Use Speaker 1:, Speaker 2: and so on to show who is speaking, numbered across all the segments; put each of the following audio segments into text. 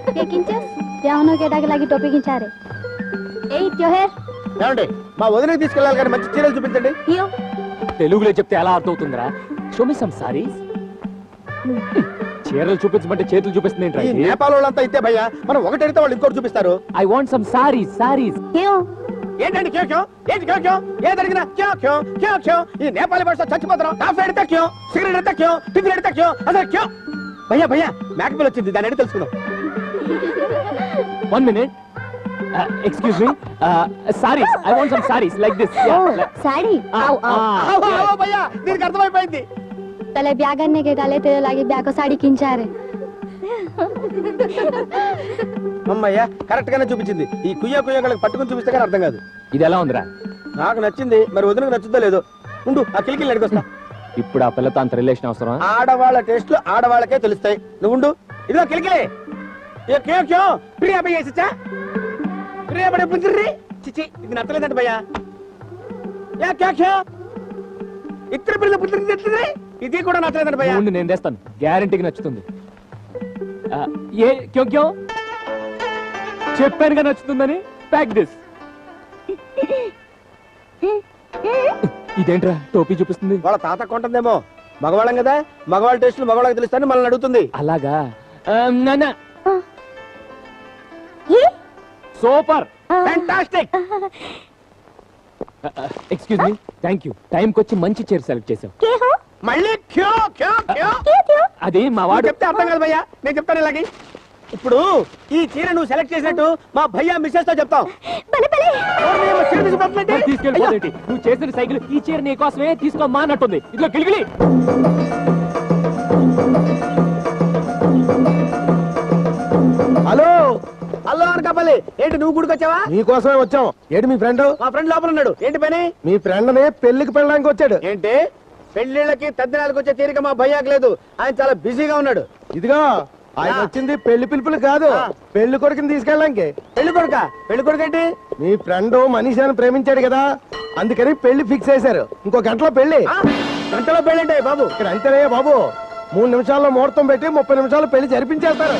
Speaker 1: ब्याहों के डाके लगी टोपी खिंचा रहे ए त्योहार
Speaker 2: ఏమండి మా వదినకి తీసుకెళ్ళాలి కానీ మంచి చీరలు చూపించండి
Speaker 3: తెలుగులో చెప్తే ఎలా అర్థం అవుతుందిరా షో మీ సమ్ సారీస్ చీరలు చూపించమంటే చేతులు చూపిస్తుంది
Speaker 2: ఈ నేపాల్ వాళ్ళంతా ఇస్తే భయ్యా మనం ఒకటి అడిగితే వాళ్ళు ఇంకోటి చూపిస్తారు
Speaker 3: ఐ వాంట్ సమ్ సారీస్
Speaker 2: ఏంటండి క్యో క్యో ఏంటి క్యో క్యో ఏది అడిగినా క్యో క్యో క్యో క్యో ఈ నేపాలి భాష చచ్చిపోతున్నాం కాఫీ అడిగితే క్యో సిగరెట్ అడిగితే క్యో టిఫిన్ అడిగితే క్యో అసలు క్యో భయ్యా భయ్యా మేకపిల్ వచ్చింది దాన్ని అడిగి తెలుసుకుందాం
Speaker 3: 1 minute excuse me sarees I want some sarees like this
Speaker 1: sari
Speaker 2: आओ भैया దీనికి అర్థమైపోయింది
Speaker 1: तले ब्याह करने के डाले तेरे लागे ब्याह को साड़ी खिंचा रहे
Speaker 2: అమ్మయ్య కరెక్ట్ గానే చూపించింది ఈ కుయ్య కుయ్యలకు పట్టుకొని చూపిస్తే కానీ అర్థం కాదు
Speaker 3: ఇది ఎలా ఉందిరా
Speaker 2: నాకు నచ్చింది మరి వదినకు నచ్చుద్దో లేదో ఉండు ఆ కిలికిల్ అడిగొస్తా
Speaker 3: ఇప్పుడు ఆ పిల్లతో అంత రిలేషన్ అవసరం
Speaker 2: ఆడవాళ్ళ టేస్ట్లు ఆడవాళ్ళకే తెలుస్తాయి నువ్వు ఉండు ఇదిగో కిలికిలే ఏ క్యో క్యో ప్రియా భయ్యా సచ్చా ప్రియా బడే పుంజరి చిచి ఇది నచ్చలేదంట భయ్యా యా క్యా క్యా ఇత్ర ప్రియ పుంజరి తెత్తరే ఇది కూడా నచ్చలేదంట భయ్యా
Speaker 3: ఉండు నేను చేస్తాను గ్యారెంటీకి నచ్చుతుంది ఏ క్యో క్యో చెప్పానుగా నచ్చుతుందని ప్యాక్ దిస్ ఇదేంట్రా టోపీ చూపిస్తుంది
Speaker 2: వాళ్ళ తాత కొంటుందేమో మగవాళ్ళం కదా మగవాళ్ళ టేస్ట్లు మగవాళ్ళకి తెలుస్తాయని మనల్ని అడుగుతుంది
Speaker 3: అలాగా నాన్న super
Speaker 2: fantastic
Speaker 3: excuse me thank you టైంకి వచ్చి మంచి చీర సెలెక్ట్ చేసావు
Speaker 2: మళ్ళీ క్యో క్యో క్యో
Speaker 3: అది మా వాడు
Speaker 2: చెప్తే అర్థం కాదు భయ్యా నేను చెప్తాను ఇలాగే ఇప్పుడు ఈ చీర నువ్వు సెలెక్ట్ చేసినట్టు మా భయ్యా మిస్సెస్ తో చెప్తాం
Speaker 3: తీసుకెళ్ళిపోతే నువ్వు చేసిన సైకిల్ ఈ చీర నీ కోసమే తీసుకోమా అన్నట్టుంది ఇదిగో గిలిగిలి
Speaker 2: హలో హలో అనకాపల్లి ఏంటి నువ్వు గుడికి వచ్చావా
Speaker 4: నీకోసమే వచ్చాం. ఏంటి మీ ఫ్రెండ్?
Speaker 2: మా ఫ్రెండ్ లోపల ఉన్నాడు. ఏంటి పని?
Speaker 4: మీ ఫ్రెండ్ ని పెళ్లికి పెళ్ళడానికి వచ్చాడు.
Speaker 2: ఏంటి పెళ్లిళ్ళకి తద్దినాలకు వచ్చే తీరిక మా భయ్యాకి లేదు. ఆయన చాలా బిజీగా ఉన్నాడు.
Speaker 4: ఇదిగో ఆయన వచ్చింది పెళ్లి పిలుపులు కాదు, పెళ్లి కొడుకుని తీసుకెళ్ళడానికి.
Speaker 2: పెళ్లి కొడుక? పెళ్లి కొడుకు ఏంటి?
Speaker 4: మీ ఫ్రెండ్ మనీషాని ప్రేమించాడు కదా, అందుకని పెళ్లి ఫిక్స్ చేశారు. ఇంకో గంటలో పెళ్లి.
Speaker 2: గంటలో పెళ్లి అంటే బాబు
Speaker 4: ఇక్కడ అంతేనే బాబు, 3 నిమిషాల్లో ముహూర్తం పెట్టి 30 నిమిషాలు పెళ్లి జరిపించేస్తారు.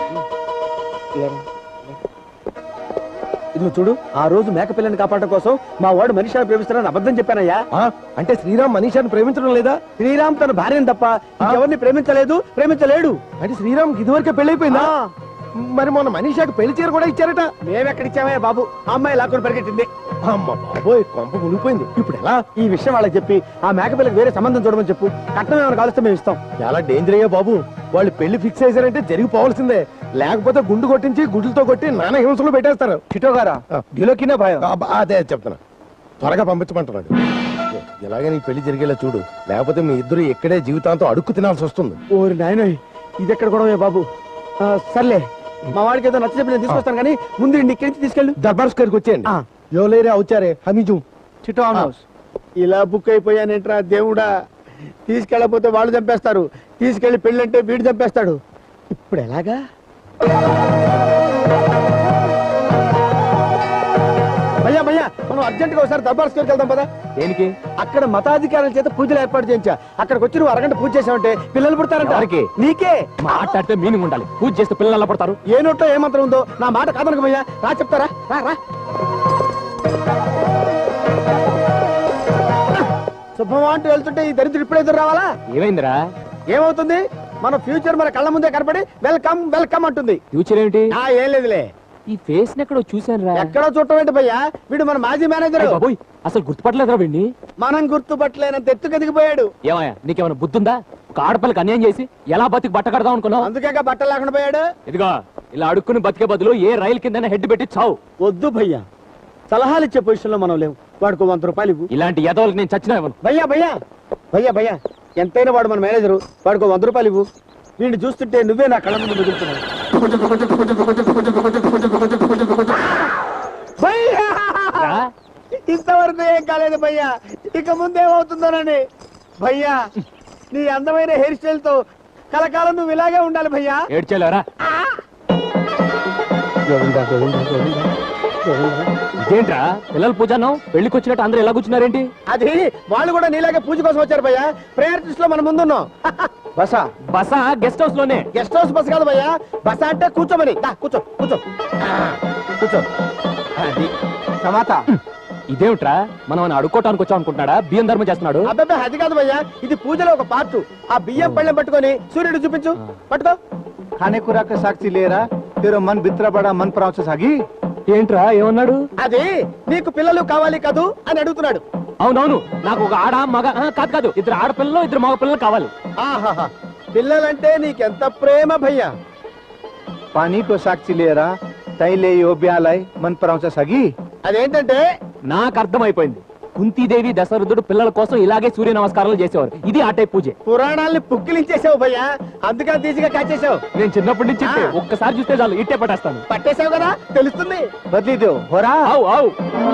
Speaker 2: ఇది చూడు, ఆ రోజు మేక పిల్లని కాపాడటం కోసం మా వాడు మనీషాని ప్రేమిస్తానని అబద్ధం చెప్పానయ్యా.
Speaker 4: అంటే శ్రీరామ్ మనీషాని ప్రేమించడం లేదా?
Speaker 2: శ్రీరామ్ తన భార్యను తప్ప ఎవరిని ప్రేమించలేదు, ప్రేమించలేడు.
Speaker 4: అంటే శ్రీరామ్ ఇదివరకే పెళ్లి అయిపోయిందా? మరి మొన్న మనీషాకి పెళ్లి చీర కూడా ఇచ్చారట.
Speaker 2: మేమెక్కడిచ్చామే బాబు, ఆ అమ్మాయి లాక్కుని పరిగెట్టింది.
Speaker 4: అమ్మ బాబోయ్, కొంప మునిగిపోయింది. ఇప్పుడు ఎలా?
Speaker 2: ఈ విషయం వాళ్ళకి చెప్పి ఆ మేకపిల్లకి వేరే సంబంధం చూడమని చెప్పు. కట్నం ఏమైనా కాలుస్తే మేము ఇస్తాం.
Speaker 4: చాలా డేంజర్ అయ్యా బాబు, వాళ్ళు పెళ్లి ఫిక్స్ చేశారంటే జరిగిపోవాల్సిందే. లేకపోతే గుండు కొట్టించి గుడ్లతో కొట్టి నానా హింసలు పెట్టేస్తారు.
Speaker 2: చిటో గారా గిలోకినా భయం.
Speaker 4: అదే చెప్తున్నా, త్వరగా పంపించమంటున్నాడు. ఇలాగే నీ పెళ్లి జరిగేలా చూడు, లేకపోతే మీ ఇద్దరు ఎక్కడే జీవితాంతం అడుక్కు తినాల్సి వస్తుంది.
Speaker 2: ఓరి నాయనోయ్, ఇది ఎక్కడ గొడవే బాబు. సర్లే, మా వాడికి ఏదో నచ్చ చెప్పి నేను తీసుకొస్తాను, కానీ ముందు ఇక్కడి నుంచి తీసుకెళ్ళి
Speaker 4: దర్బార్ స్క్వేర్కి వచ్చేయండి. ఎవలేరే అవుచారే హమీజు
Speaker 2: చిటో హౌస్. ఇలా బుక్ అయిపోయానేంట్రా దేవుడా, తీసుకెళ్ళకపోతే వాళ్ళు చంపేస్తారు, తీసుకెళ్లి పెళ్ళంటే వీడు చంపేస్తాడు. ఇప్పుడు ఎలాగా? భయ్యా భయ్యా, మనం అర్జెంట్ గా ఒకసారి దర్బార్ స్క్వేర్కి వెళ్దాం పదా.
Speaker 3: దేనికి?
Speaker 2: అక్కడ మతాధికారుల చేత పూజలు ఏర్పాటు చేయించా. అక్కడికి వచ్చి నువ్వు అరగంట పూజ చేసావంటే పిల్లలు పుడతారంట.
Speaker 3: ఎవరికి?
Speaker 2: నీకే.
Speaker 3: మాట్లాడితే మీనింగ్ ఉండాలి. పూజ చేస్తే పిల్లలు ఎలా పడతారు?
Speaker 2: ఏ నోట్లో ఏ మంత్రం ఉందో నా మాట కాదనక భయ్యా. రా చెప్తారా, రా రా. శుభమా అంటూ వెళ్తుంటే ఈ దరిద్రుడు ఇప్పుడు ఎదురు రావాలా?
Speaker 3: ఏమైందిరా?
Speaker 2: ఏమవుతుంది, మన ఫ్యూచర్ మన కళ్ళ ముందే కనపడి వెల్కమ్ వెల్కమ్ అంటుంది.
Speaker 3: ఫ్యూచర్ ఏమిటి?
Speaker 2: ఏం లేదులే.
Speaker 3: ఈ ఫేస్ ఎక్కడో చూసాను రా.
Speaker 2: ఎక్కడో చూడటం ఏంటి భయ్యా, వీడు మన మాజీ మేనేజర్.
Speaker 3: బాబోయ్, అసలు గుర్తుపట్టలేదురా వీడిని.
Speaker 2: మనం గుర్తుపట్టలేనంత ఎత్తుకు ఎదిగిపోయాడు.
Speaker 3: ఏమయ్యా, నీకేమైనా బుద్ధుందా? ఒక ఆడపిల్లకి అన్యాయం చేసి ఎలా బతికి బట్ట కడదాం అనుకున్నావు?
Speaker 2: అందుకే బట్టలు లేకుండా పోయాడు.
Speaker 3: ఇదిగో ఇలా అడుక్కుని బతికే బదులు ఏ రైలు కింద హెడ్ పెట్టి చావు.
Speaker 2: వద్దు భయ్యా, సలహాలు ఇచ్చే పొజిషన్ లో మనం లేవు. వాడికి 100 రూపాయలు ఇవ్వు.
Speaker 3: ఇలాంటి ఎదవలకు నేను చచ్చినా ఇవ్వను.
Speaker 2: భయ్యా భయ్యా భయ్యా భయ్యా, ఎంతైనా వాడు మన మేనేజరు, వాడికి 100 రూపాయలు ఇవ్వు. వీడిని చూస్తుంటే నువ్వే నా కళ్ళ ముందు మెదులుతున్నావు. ఇంతవరకు ఏం కాలేదు భయ్యా, ఇక ముందేమవుతుందోనని. భయ్యా, నీ అందమైన హెయిర్ స్టైల్ తో కలకాలం నువ్వు ఇలాగే ఉండాలి భయ్యా.
Speaker 3: ఏడ్చేలేరా? ఇదేంట్రా పిల్లల పూజను పెళ్లికి వచ్చినట్టు అందరూ ఎలా కూర్చున్నారేంటి?
Speaker 2: అది వాళ్ళు కూడా నీలాగే పూజ కోసం వచ్చారు భయ్యా. ప్రేయర్ లిస్ట్ లో మనం ముందున్నాం. బసా
Speaker 3: బస గెస్ట్ హౌస్ లోనే.
Speaker 2: గెస్ట్ హౌస్ బస్ కాదు భయ్యా, బస అంటే కూర్చోమని. దా, కూర్చో కూర్చో కూర్చో. అది సమాత.
Speaker 3: ఇదేమిట్రా మనం అడుక్కోటానికి వచ్చాం అనుకుంటున్నాడా? బియ్యం ధర్మం చేస్తున్నాడు.
Speaker 2: అబ్బాయి అది కాదు భయ్యా, ఇది పూజలో ఒక పార్ట్. ఆ బియ్యం పళ్ళెం పట్టుకొని సూర్యుడు చూపించు. పట్టుకో.
Speaker 5: खाने खुराक का साक्षी ले रहा तेरा मन बितरा बड़ा मन पराव से सागी
Speaker 3: ఏంట్రా ఏమన్నాడు?
Speaker 2: అది నీకు పిల్లలు కావాలి కదూ అని అడుగుతున్నాడు.
Speaker 3: అవునవును, నాకు ఒక ఆడ మగ కాదు ఇద్దరు ఆడపిల్లలు ఇద్దరు మగ పిల్లలు కావాలి.
Speaker 2: ఆహాహా, పిల్లలంటే నీకెంత ప్రేమ భయ్యా.
Speaker 5: पानी को साक्षी ले रहा तय ले यो ब्यालय मन पराव से सागी
Speaker 2: అదేంటంటే
Speaker 3: నాకు అర్థమైపోయింది. కుంతీదేవి దశరథుడు పిల్లల కోసం ఇలాగే సూర్య నమస్కారాలు చేసేవారు. ఇది ఆ టైప్ పూజే.
Speaker 2: పురాణాల్ని పుక్కిలించేసావు భయ్యా, అందుకని తీసిగా కాచేసావు.
Speaker 3: నేను చిన్నప్పటి నుంచి ఇంతే. ఒక్కసారి చూస్తే చాలు ఇట్టే పట్టేస్తాను.
Speaker 2: పట్టేసావు కదా, తెలుస్తుంది.
Speaker 5: बदली दो हो रहा
Speaker 3: ఆవు ఆవు.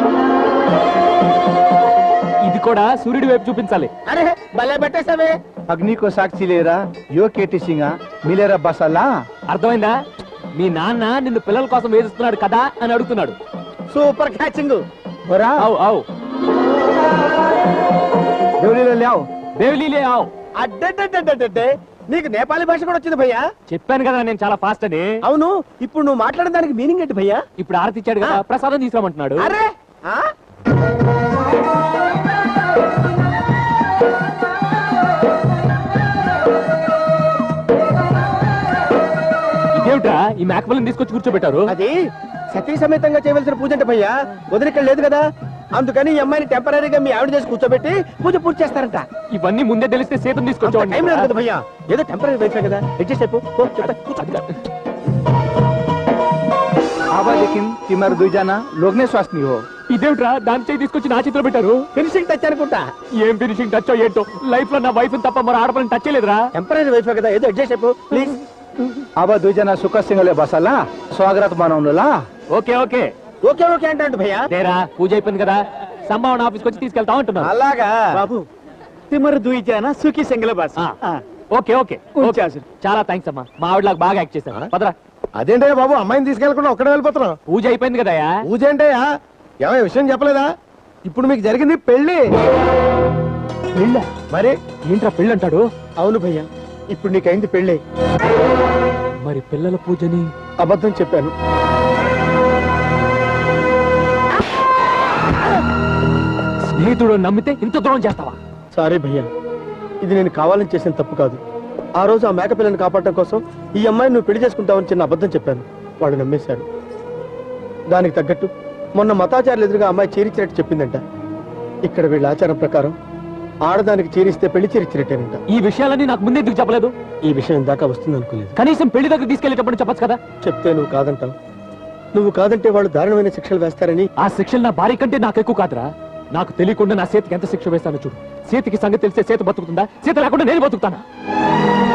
Speaker 3: ఇది కూడా సూర్యుడి వైపు చూపించాలి.
Speaker 2: అరే భలే పెట్టేసావే.
Speaker 5: अग्नि को साक्षी ले रहा यो केटी सिंगा मिलेरा बसाला
Speaker 3: అర్థమైందా? మీ నాన్న నిన్ను పిల్లల కోసం వేధిస్తున్నాడు కదా అని అడుగుతున్నాడు.
Speaker 2: Super catching.
Speaker 5: हो रहा
Speaker 3: ఆవు ఆవు.
Speaker 5: देवली ले आओ
Speaker 3: దేవిలీలే ఆవు.
Speaker 2: అడ్డే నీకు నేపాలి భాష కూడా వచ్చింది భయ్యా.
Speaker 3: చెప్పాను కదా నేను చాలా ఫాస్ట్ అని.
Speaker 2: అవును, ఇప్పుడు నువ్వు మాట్లాడిన దానికి మీనింగ్ ఏంటి భయ్యా?
Speaker 3: ఇప్పుడు ఆరతి ఇచ్చాడు కదా, ప్రసాదం తీసుకురామంటున్నాడు.
Speaker 2: అరే ఆ?
Speaker 3: ఇదేమిట్రా ఈ మేకపిల్లని తీసుకొచ్చి కూర్చోబెట్టారు?
Speaker 2: అది సతీ సమేతంగా చేయవలసిన పూజ అంటే భయ్యా, వదిలిక్కడ లేదు కదా, అందుకని ఈ అమ్మాయిని టెంపరీగా మీ ఆవిడ చేసి కూర్చోబెట్టి పూజ పూర్తి చేస్తారంట.
Speaker 3: ఇవన్నీ ముందే తెలిస్తే సీతను
Speaker 2: అంత
Speaker 3: తీసుకొచ్చేవాడిని.
Speaker 2: టైం లేదు కదా భయ్యా, ఏదో టెంపరీ వైఫ్ కదా, అడ్జస్ట్ అయిపో. పో, చెప్తా, కూర్చో.
Speaker 5: आवा लेकिन तिमर दुई जाना लोग ने स्वास्थ्य नहीं हो
Speaker 3: ఇదేమిట్రా దాని చేయి తీసుకొచ్చి నా చేతిలో పెట్టారు?
Speaker 2: ఫినిషింగ్ టచ్ అనుకుంటా.
Speaker 3: ఏం ఫినిషింగ్ టచ్ ఏంటో, లైఫ్ లో నా వైఫ్ తప్ప మరో ఆడపిల్లని టచ్ చేయలేదురా.
Speaker 2: టెంపరీ వైఫ్ కదా, ఏదో అడ్జస్ట్ అయిపో ప్లీజ్.
Speaker 5: आवा दुई जना सुख सिंगले बसाला स्वागत बनाउनुला
Speaker 3: ఓకే ఓకే
Speaker 2: ఓకే ఓకే అంటే భయ్యా.
Speaker 3: దేరా పూజ అయిపోయింది కదా, సంభావన ఆఫీస్కి వచ్చి తీసుకెళ్తా ఉంటున్నాను.
Speaker 2: అలాగా
Speaker 5: బాబు తిమర్ दुई जना सुखी सिंगले बस
Speaker 3: ఓకే ఓకే ఓకే. చాలా థ్యాంక్స్ అమ్మా, మా ఆవిడలాగా బాగా యాక్ట్ చేశాను. పదరా.
Speaker 4: అదేంటయ్యా బాబు, అమ్మాయిని తీసుకెళ్లకుండా ఒక్కడే వెళ్ళిపోతున్నాం?
Speaker 3: పూజ అయిపోయింది కదయా.
Speaker 4: పూజ ఏంటయ్యా? ఏమయ్య విషయం చెప్పలేదా? ఇప్పుడు మీకు జరిగింది పెళ్లి.
Speaker 3: పెళ్ళ?
Speaker 4: మరి
Speaker 3: ఏంట్రా పెళ్ళి అంటాడు?
Speaker 2: అవును భయ్యా, ఇప్పుడు నీకైంది పెళ్ళే.
Speaker 3: మరి పిల్లల పూజని
Speaker 2: అబద్ధం చెప్పాను.
Speaker 3: స్నేహితుడు నమ్మితే ఇంత దూరం చేస్తావా?
Speaker 2: సారీ భయ్యా, ఇది నేను కావాలని చేసిన తప్పు కాదు. ఆ రోజు ఆ మేక పిల్లని కాపాడటం కోసం ఈ అమ్మాయిని నువ్వు పెళ్లి చేసుకుంటావని చిన్న అబద్ధం చెప్పాను. వాడు నమ్మేశాడు. దానికి తగ్గట్టు మొన్న మతాచారులు ఎదురుగా అమ్మాయి చీరిచ్చినట్టు చెప్పిందంట. ఇక్కడ వీళ్ళ ఆచారం ప్రకారం ఆడదానికి చీరిస్తే పెళ్లి చీరిచ్చినట్టేనంట.
Speaker 3: ఈ విషయాలన్నీ నాకు ముందే ఎందుకు చెప్పలేదు?
Speaker 2: ఈ విషయం దాకా వస్తుంది అనుకోలేదు.
Speaker 3: కనీసం పెళ్లి దగ్గర తీసుకెళ్లేటప్పుడు చెప్పొచ్చు కదా.
Speaker 2: చెప్తే నువ్వు కాదంటావు. నువ్వు కాదంటే వాళ్ళు దారుణమైన శిక్షలు వేస్తారని.
Speaker 3: ఆ శిక్షలు నా భార్య కంటే నాకు ఎక్కువ కాదురా. నాకు తెలియకుండా నా చేతికి ఎంత శిక్ష వేస్తానో చూడు. చేతికి సంగతి తెలిస్తే చేతి బతుకుతుందా? చేతి లేకుండా నేను బతుకుతానా?